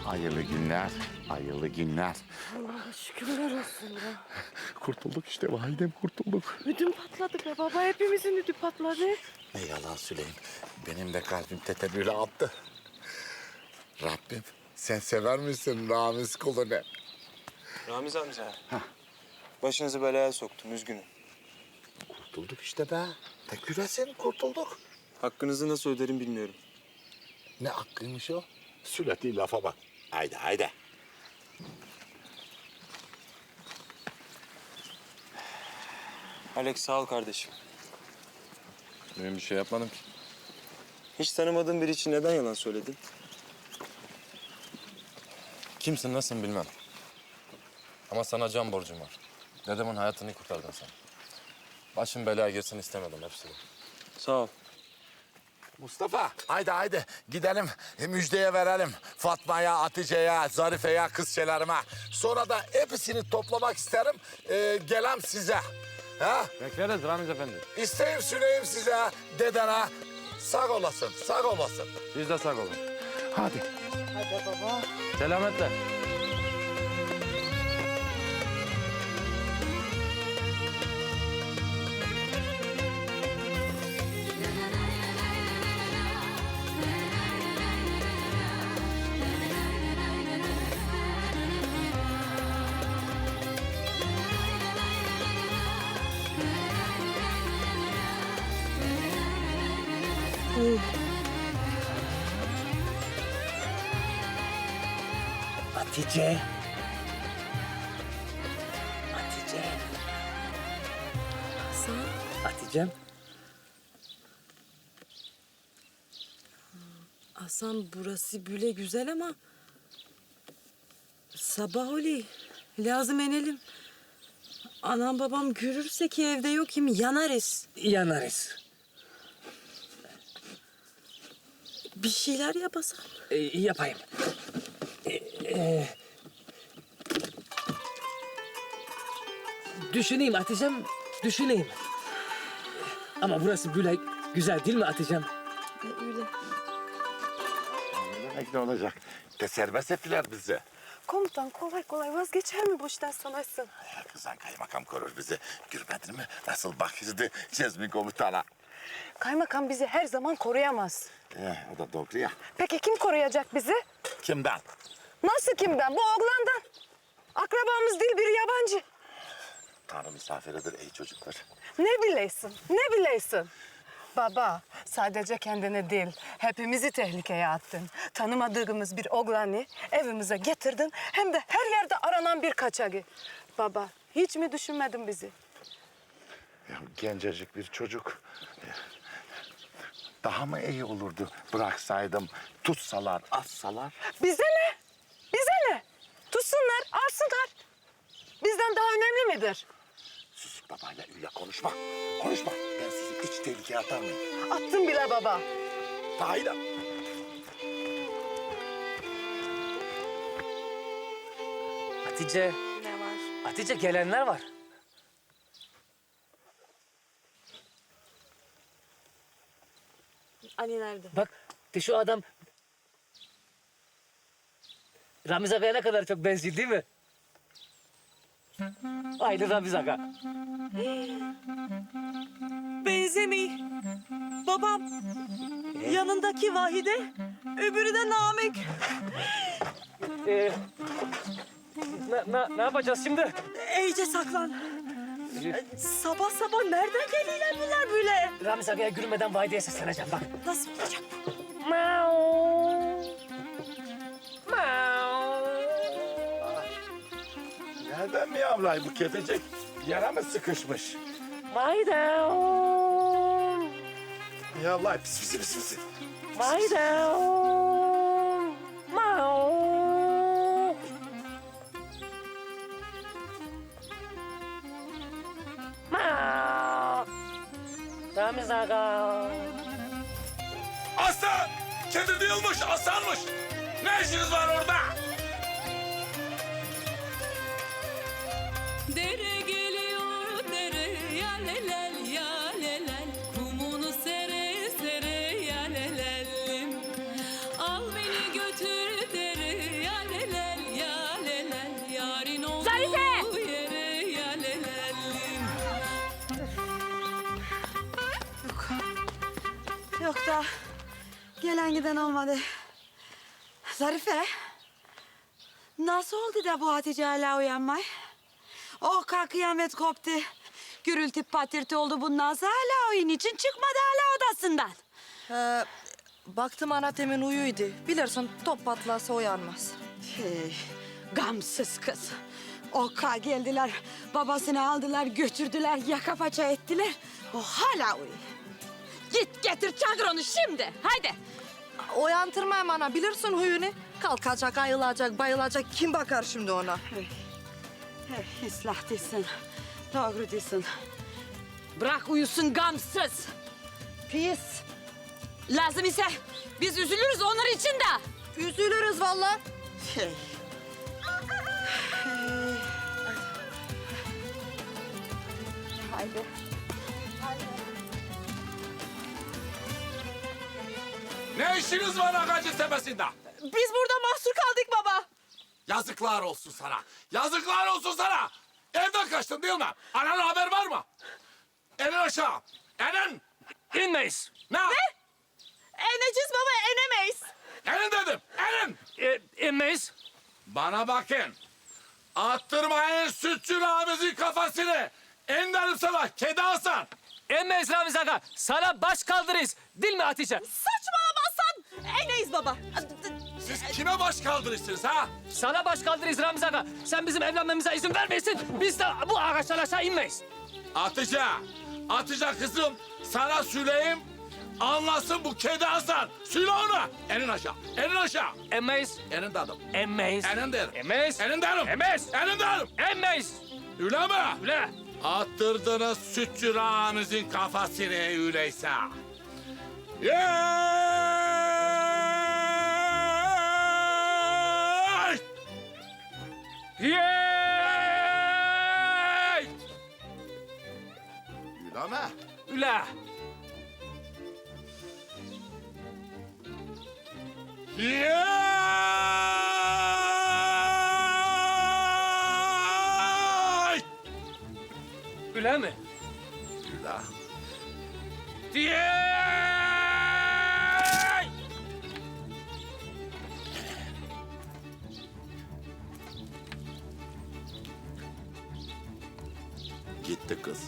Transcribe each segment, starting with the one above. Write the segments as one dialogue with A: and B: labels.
A: Hayırlı günler, hayırlı günler.
B: Allah'a şükürler olsun ya.
A: Kurtulduk işte validem, kurtulduk.
B: Ödüm patladı be baba. Hepimizin ödü patladı.
A: Ne yalan söyleyeyim, benim de kalbim tetebüle attı. Rabbim, sen sever misin Ramiz kulunu?
C: Ramiz amca. Başınızı belaya soktum, üzgünüm.
A: Kurtulduk işte be. Tek yüresin, kurtulduk.
C: Hakkınızı nasıl öderim bilmiyorum.
A: Ne hakkıymış o? Sületi lafa bak. Haydi, haydi.
C: Alex sağ ol kardeşim.
D: Ben bir şey yapmadım ki.
C: Hiç tanımadığın biri için neden yalan söyledin?
D: Kimsin, nasılsın bilmem. Ama sana can borcum var. Dedemin hayatını kurtardın sen. Başım belaya girsin istemedim hepsi bu.
C: Sağ ol.
A: Mustafa, haydi haydi gidelim müjdeye verelim. Fatma'ya, Hatice'ye, Zarife'ye, kızçelerime. Sonra da hepsini toplamak isterim. Gelem size. Ha?
D: Bekleriz Ramiz Efendi.
A: İsteyim süreyim size, dedene. Sağ olasın, sağ olasın.
D: Siz de sağ olun.
A: Hadi.
B: Hadi baba.
D: Selametle.
E: Hatice. Hatice.
B: Hasan.
E: Hatice'm.
B: Hasan burası böyle güzel ama... Sabah oluyor. Lazım inelim. Anam babam görürse ki evde yok kim yanarız.
E: Yanarız.
B: Bir şeyler yapasam.
E: Yapayım. Düşüneyim Hatice'm, düşüneyim. Ama burası böyle güzel değil mi Hatice'm?
B: Öyle.
A: Ne olacak? De serbest ettiler bizi.
B: Komutan kolay kolay vazgeçer mi bu işten sanarsın?
A: Kızan kaymakam korur bizi. Görmedin mi? Nasıl bakıştı Cezmi komutana.
B: Kaymakam bizi her zaman koruyamaz.
A: O da doğru ya.
B: Peki kim koruyacak bizi?
A: Kimden?
B: Nasıl kimden? Bu oğlandan. Akrabamız değil bir yabancı.
A: Tanrı misafiridir ey çocuklar.
B: Ne bileysin, ne bileysin? Baba, sadece kendini değil, hepimizi tehlikeye attın. Tanımadığımız bir oğlanı evimize getirdin, hem de her yerde aranan bir kaçağı. Baba, hiç mi düşünmedin bizi?
A: Ya, gencecik bir çocuk. Daha mı iyi olurdu bıraksaydım, tutsalar, assalar?
B: Bize ne? Bize ne? Tutsunlar, alsınlar. Bizden daha önemli midir?
A: Sus babayla öyle konuşma. Konuşma. Ben sizi hiç tehlikeye atar mıyım?
B: Attın bile baba.
A: Haydi.
E: Hatice,
B: Ne var?
E: Hatice gelenler var.
B: Ali nerede?
E: Bak de şu adam Ramiz Aga'ya ne kadar çok benziyor değil mi? Aynı Ramiz Aga.
B: Benzemiyor. Babam. Yanındaki Vahide, öbürü de Namık.
E: Ne yapacağız şimdi?
B: İyice saklan. Sabah sabah nereden geliyorlar bunlar böyle?
E: Ramiz Aga'ya gülmeden Vahide'ye sesleneceğim bak.
B: Nasıl olacak?
A: Nereden mi yavray bu kedecek? Yara mı sıkışmış?
E: Vahide.
A: Yavray pis pis pis pis.
E: Vahide. Ramiz Aga.
A: Aslan! Kedi değilmiş, aslanmış. Ne işiniz var orada?
F: Dere geliyor dere ya lelel ya lelel kumunu sere sere ya lelelim al beni götür dere ya
G: yok da gelen giden olmadı. Zarife, nasıl oldu da bu Hatice hala uyanmay? Oh kalk kıyamet koptu. Gürültü patırtı oldu bundan sonra hala oyun için çıkmadı hala odasından.
H: Baktım ana temin uyuydu. Bilirsin top patlarsa uyanmaz.
G: Hey, gamsız kız. Oka geldiler, babasını aldılar, götürdüler, yaka paça ettiler. O hala uyuyor. Git getir çağır onu şimdi, haydi.
H: Uyandırmayayım ana, bilirsin huyunu. Kalkacak, ayılacak, bayılacak. Kim bakar şimdi ona?
G: Hey, ıslah değilsin, doğru değilsin. Bırak uyusun gamsız. Pis. Lazım ise biz üzülürüz onlar için de.
H: Üzülürüz vallahi.
G: Hey. Haydi.
A: Ne işiniz var Agacı Tepesi'nde?
H: Biz burada mahsur kaldık baba.
A: Yazıklar olsun sana. Yazıklar olsun sana. Evden kaçtın değil mi? Ananın haber var mı? Elin aşağı. Elin.
E: İnmeyiz.
A: Ne?
H: Eneceğiz baba, enemeyiz.
A: Elin dedim. Elin.
E: İnmeyiz.
A: Bana bakın. Attırmayın sütçü Ramiz'in kafasını. En sana kedi Hasan.
E: İnmeyiz Ramiz Aga. Sana baş kaldırırız. Değil mi Hatice?
H: Saçmalamazsan eneyiz baba.
A: Siz kime baş kaldırırsınız ha?
E: Sana baş kaldırırız Ramiz Aga. Sen bizim evlenmemize izin vermeyesin. Biz de bu ağaçtan aşağı inmeyiz.
A: Hatice. Hatice kızım sana söyleyeyim. Anlasın bu kedi Hasan. Söyle ona. Elin aşağı. Elin aşağı.
E: İnmeyiz.
A: Elin dedim.
E: İnmeyiz.
A: Elin derim.
E: İnmeyiz.
A: Elin derim.
E: İnmeyiz.
A: Elin derim.
E: İnmeyiz.
A: Öyle mi?
E: Öyle.
A: Attırdınız sütçü Ramiz'in kafasını öyleyse. Yeeey!
E: Yey!
A: Öyle mi?
E: Öyle.
A: Yeeey!
E: Öyle mi?
A: Öyle.
E: Yey!
A: Gitti kız.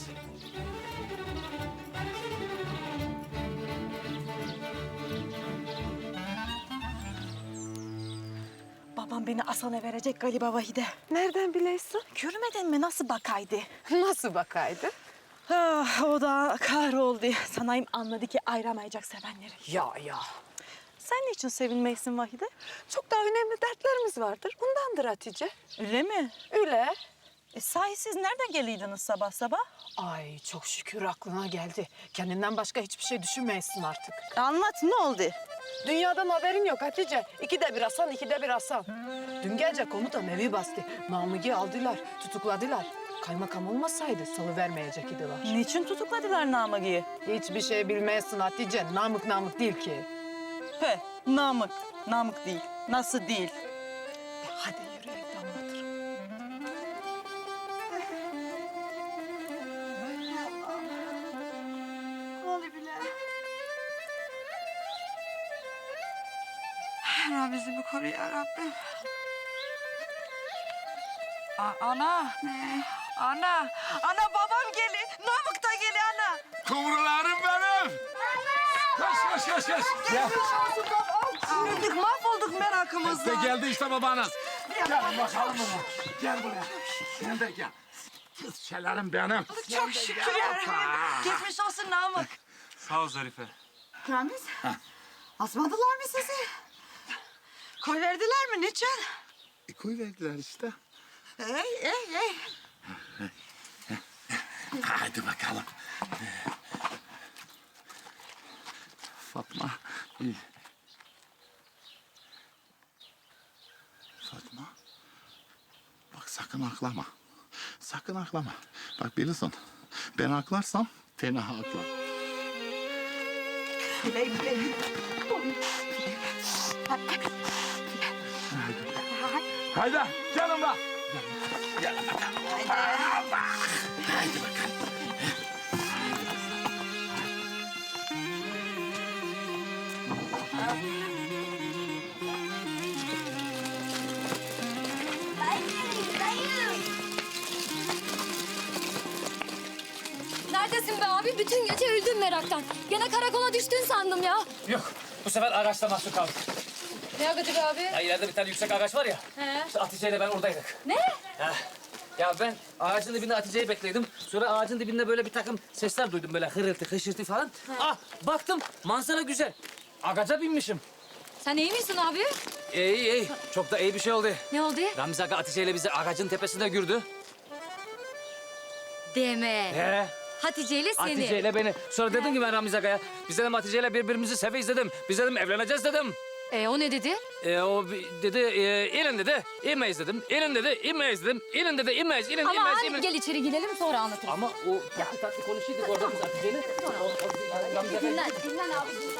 H: Babam beni Hasan'a verecek galiba Vahide.
B: Nereden bileysin?
H: Görmedin mi nasıl bakaydı?
B: Nasıl bakaydı?
H: Ah, o da kahroldu. Sanayım anladı ki ayıramayacak sevenleri.
B: Ya.
H: Sen niçin sevinmeysin Vahide?
B: Çok daha önemli dertlerimiz vardır. Bundandır Hatice.
H: Öyle mi?
B: Öyle.
H: Sahi siz nereden geliydiniz sabah sabah?
B: Ay çok şükür aklına geldi. Kendinden başka hiçbir şey düşünmeyesin artık.
H: Anlat ne oldu?
B: Dünyadan haberin yok Hatice. İkide bir Hasan, ikide bir Hasan. Dün gece komutan evi bastı. Namık'ı aldılar, tutukladılar. Kaymakam olmasaydı salıvermeyecek idiler.
H: Niçin tutukladılar Namık'ı?
B: Hiçbir şey bilmezsin Hatice. Namık değil ki.
H: He, Namık. Namık değil. Nasıl değil?
B: Hadi yürü evde anlatırım.
G: Rabbimizi koru ya Rabbim. Ana babam geliyor. Namık da geliyor ana.
A: Kumrularım benim. Koş. Gel.
G: Öldük mahvolduk merakımızla.
A: İşte geldi işte babanız. Gel bakalım baba. Gel buraya. Sen de gel. Kız şeylerim benim.
G: Çok şükür ya Rabbim. Geçmiş olsun Namık.
C: Sağ ol Zarife.
G: Ramiz, asmadılar mı sizi? Koy verdiler mi? Niçin?
A: Koy verdiler işte.
G: Ey.
A: Hadi bakalım. Fatma. Fatma. Bak sakın aklama. Sakın aklama. Bak bilirsin. Ben aklarsam fena aklar.
G: Bileyim.
A: Haydi yanımda. Gel bakalım. Haydi bakalım.
I: Neredesin be abi? Bütün gece öldüm meraktan. Gene karakola düştün sandım ya.
E: Yok, bu sefer ağaçta mahsur kaldık.
I: Ne agacı be abi?
E: Ya ileride bir tane yüksek ağaç var ya.
I: He.
E: İşte Hatice ile ben oradaydık.
I: Ne?
E: Ya ben ağacın dibinde Hatice'yi bekledim. Sonra ağacın dibinde böyle bir takım sesler duydum böyle hırıltı, hışırtı falan. Ah baktım manzara güzel. Ağaca binmişim.
I: Sen iyi misin abi?
E: İyi iyi. Çok da iyi bir şey oldu.
I: Ne oldu?
E: Ramiz Aga Hatice ile bizi ağacın tepesinde gördü.
I: Deme.
E: He.
I: Hatice ile seni.
E: Hatice ile beni. Sonra dedim ki ben Ramiz Aga'ya. Biz dedim Hatice ile birbirimizi seveyiz dedim. Biz dedim evleneceğiz dedim.
I: O ne dedi?
E: Dedi, inin dedi, inmeyiz dedim. İnin dedi, inmeyiz dedim. İnin dedi, inmeyiz, inin,
I: Ama
E: inmeyiz,
I: abi
E: inmeyiz.
I: gel içeri girelim sonra anlatırım.
E: Ama o tatlı tatlı konuşuyorduk orada biz Hatice'yle. Ramiz Aga'ya.
I: Dinlen abi.